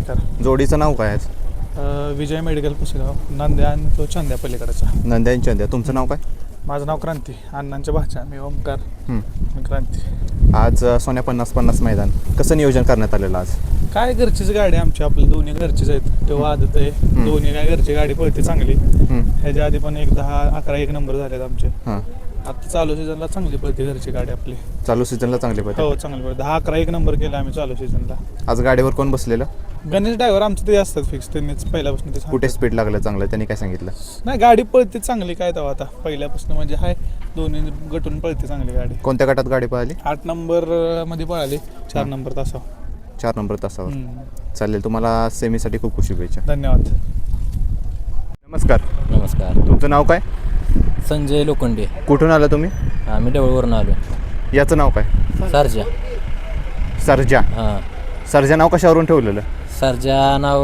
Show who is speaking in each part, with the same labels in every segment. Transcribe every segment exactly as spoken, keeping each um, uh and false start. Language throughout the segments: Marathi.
Speaker 1: नमस्कार.
Speaker 2: जोडीचं नाव काय आहे?
Speaker 1: अ, विजय मेडिकल पुसेगाव, नांद्या आणि तो चांद्या पलीकडचा.
Speaker 2: नंद्या आणि चंद्या. तुमचं नाव काय?
Speaker 1: माझं नाव क्रांती, अण्णांच्या भाच्या. मी ओमकार,
Speaker 2: हं.
Speaker 1: मी क्रांती.
Speaker 2: आज अ, सोन्या पन्नास पन्नास मैदान कसं नियोजन करण्यात आलेलं आज?
Speaker 1: काय घरचीच गाडी आमची, आपली दोन्ही घरचीच आहेत. तेव्हा आदत आहे, दोन्ही काय घरची गाडी पळते चांगली.
Speaker 2: हं.
Speaker 1: ह्याच्या आधी पण एक दहा अकरा एक नंबर झालेत आमचे.
Speaker 2: हां.
Speaker 1: आता चालू सीझनला चांगली पळते घरची गाडी आपली.
Speaker 2: चालू सीझनला चांगली
Speaker 1: हो
Speaker 2: पडते.
Speaker 1: चांगली पळते. दहा अकरा एक नंबर केला आम्ही चालू सीझनला.
Speaker 2: आज गाडीवर कोण बसलेलं?
Speaker 1: गणेश ड्रायव्हर आमचे ते असतात फिक्स, त्यांनीच पहिल्यापासून ते सांगतात.
Speaker 2: कुठे स्पीड लागलं चांगलं त्यांनी काय सांगितलं?
Speaker 1: नाही, गाडी पळते चांगली काय तेव्हा आता पहिल्यापासून म्हणजे हाय, दोन्ही गटून पळते चांगली गाडी.
Speaker 2: कोणत्या गटात गाडी पळाली?
Speaker 1: आठ नंबर मध्ये पळाली, चार नंबर तासा.
Speaker 2: चार नंबर तासावर.
Speaker 1: हम्म.
Speaker 2: चालेल, तुम्हाला सेमीसाठी खूप खूप शुभेच्छा.
Speaker 1: धन्यवाद.
Speaker 2: नमस्कार.
Speaker 3: नमस्कार.
Speaker 2: तुमचं नाव काय?
Speaker 3: संजय लोखंडे.
Speaker 2: कुठून आलं तुम्ही?
Speaker 3: आम्ही डवळवरून आलो.
Speaker 2: याचं नाव काय?
Speaker 3: सरजा.
Speaker 2: सर्जा.
Speaker 3: हां.
Speaker 2: सर्जा नाव कशावरून ठेवलेलं?
Speaker 3: सरजा नाव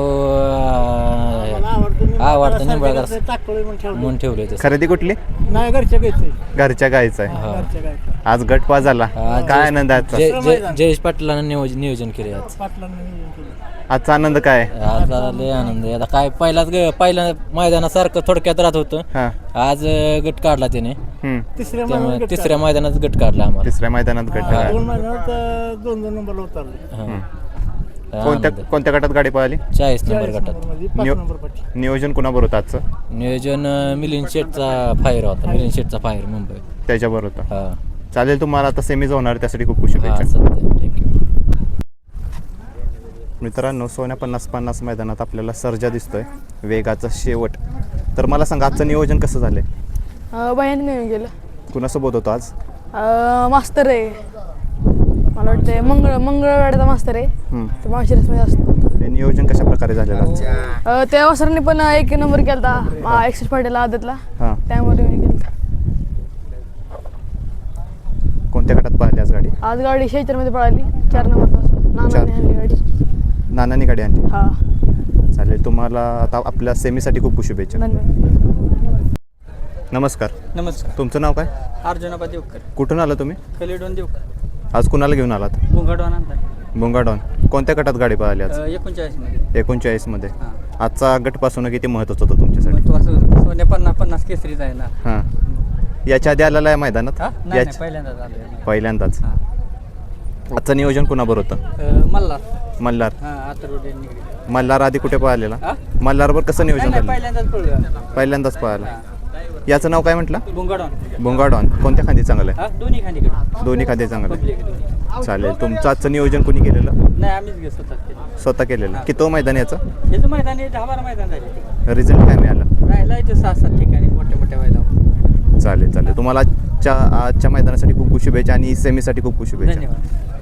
Speaker 3: आवडतं निंबाळकर म्हणून ठेवले तसं.
Speaker 2: खरेदी कुठली?
Speaker 4: नाही, घरच्या घ्यायचं.
Speaker 2: घरच्या गायचं आहे.
Speaker 3: हां.
Speaker 4: घरच्या घ्यायचं.
Speaker 2: आज गट पास झाला.
Speaker 3: आज
Speaker 2: काय आनंद आहे आजचा?
Speaker 3: जय जय जयेश पाटलानं नियोजन नियोजन केले आज.
Speaker 4: पाटलांना नियोजन केलं.
Speaker 2: आजचा आनंद काय आहे?
Speaker 3: आज लय आनंद आहे. आता काय पहिलाच ग पहिल्या मैदानासारखं थोडक्यात राहत होतं.
Speaker 2: हां.
Speaker 3: आज अं, गट काढला त्याने,
Speaker 2: हं.
Speaker 4: तिसऱ्या
Speaker 3: त्यामुळे
Speaker 4: महिन्यात गट
Speaker 3: तिसऱ्या मैदानात गट काढला आम्हाला.
Speaker 2: तिसऱ्या मैदानात गट
Speaker 4: काढला.
Speaker 2: आहे.
Speaker 4: दोन महिन्यात अं, दोन दोन नंबरला उतरले.
Speaker 3: हां.
Speaker 2: कोणत्या
Speaker 3: आनंद.
Speaker 2: कोणत्या गटात गाडी पळाली?
Speaker 3: चाळीस नंबर
Speaker 4: चाळीस
Speaker 3: गटात
Speaker 4: नंबरमध्ये पाच
Speaker 2: नियो-
Speaker 4: नंबर पाठी.
Speaker 2: नियोजन कुणाबरोबर होतं आजचं?
Speaker 3: नियोजन अं, मिलिंद शेटचा फायर होता. मिलिंद शेटचा फायर मुंबई.
Speaker 2: त्याच्याबरोबर होतं.
Speaker 3: हां.
Speaker 2: चालेल, तुम्हाला आता सेमीज होणार त्यासाठी खूप खूप
Speaker 3: हां,
Speaker 2: शुभेच्छा.
Speaker 3: सत्य. थँक्यू.
Speaker 2: मित्रांनो, सोन्या पन्नास पन्नास मैदानात आपल्याला सर्जा दिसतोय, वेगाचा शेवट. तर मला सांगा, आजचं नियोजन कसं झालंय?
Speaker 5: बहिणी नेऊन गेलं.
Speaker 2: कुणासोबत होतं आज?
Speaker 5: अं, मास्तर आहे, मला वाटतं मंगळ मंगळवाड्याचा मास्तर आहे.
Speaker 2: हं.
Speaker 5: तो माळशिरसमध्ये असतो.
Speaker 2: हे नियोजन कशा प्रकारे झालेलं आज?
Speaker 5: अं, त्या वासरांनी पण एक नंबर केला होता एक्सेस पाटीला आदतला,
Speaker 2: हां.
Speaker 5: त्यामुळे मी केला.
Speaker 2: कोणत्या गटात पळाली आज गाडी?
Speaker 5: आज गाडी शेचरमध्ये पळाली, चार नंबर तास.
Speaker 2: चार.
Speaker 5: नानाने आणली गाडी.
Speaker 2: नानानी गाडी आणली.
Speaker 5: हा,
Speaker 2: चालेल, तुम्हाला आता आपल्या सेमीसाठी खूप खूप शुभेच्छा.
Speaker 5: धन्यवाद.
Speaker 2: नमस्कार.
Speaker 6: नमस्कार.
Speaker 2: तुमचं नाव काय?
Speaker 6: अर्जुनाबा देवकर,
Speaker 2: कुठून आलं तुम्ही?
Speaker 6: कलिडोन देवकर,
Speaker 2: आज कुणाला घेऊन आलात?
Speaker 6: बुंगाडवान आणला
Speaker 2: बुंगाडॉन. कोणत्या गटात गाडी पळाली आज?
Speaker 6: एकोणचाळीसमध्ये.
Speaker 2: एकोणचाळीसमध्ये.
Speaker 6: हां.
Speaker 2: आजचा गटपासून किती महत्त्वाचं होतं तुमच्यासाठी?
Speaker 6: मग तो असं सोन्या पन्नास पन्नास केसरीचा आहे ना.
Speaker 2: हां. याच्या आधी आलेला आहे मैदानात?
Speaker 6: हा नाही नाही,
Speaker 2: याच-
Speaker 6: पहिल्यांदाच आलो.
Speaker 2: पहिल्यांदाच.
Speaker 6: हां.
Speaker 2: आजचं नियोजन कुणाबरोबर होतं?
Speaker 6: मल्हार.
Speaker 2: मल्हार.
Speaker 6: हां, आतरोडे निगडी.
Speaker 2: मल्हार आधी कुठे पळालेला?
Speaker 6: हां?
Speaker 2: मल्हारवर कसं
Speaker 6: नाही
Speaker 2: नियोजन
Speaker 6: नाही,
Speaker 2: झालं?
Speaker 6: पहिल्यांदाच पळलो.
Speaker 2: पहिल्यांदाच पळाला. याचं नाव काय म्हटलं?
Speaker 6: बुंगाडवान.
Speaker 2: बुंगाडॉन. कोणत्या खांदी चांगलं आहे?
Speaker 6: हा, दोन्ही खांदीकडे.
Speaker 2: दोन्ही खांदी चांगलं आहे.
Speaker 6: पब्लिक दोन्ही.
Speaker 2: चालेल, तुमचं आजचं नियोजन कोणी केलेलं?
Speaker 6: नाही, आम्हीच घेत स्वतः केलं.
Speaker 2: स्वतः केलेलं. किती मैदान याचं?
Speaker 6: हे तर मैदान आहे, दहा बारा मैदान झाले.
Speaker 2: रिझल्ट काय मिळाला?
Speaker 6: राहिला इथे सहा सात ठिकाणी मोठ्या मोठ्या व्हायला.
Speaker 2: चालेल चालेल, तुम्हाला आजच्या आजच्या मैदानासाठी खूप खूप शुभेच्छा आणि सेमीसाठी खूप खूप शुभेच्छा.
Speaker 6: धन्यवाद.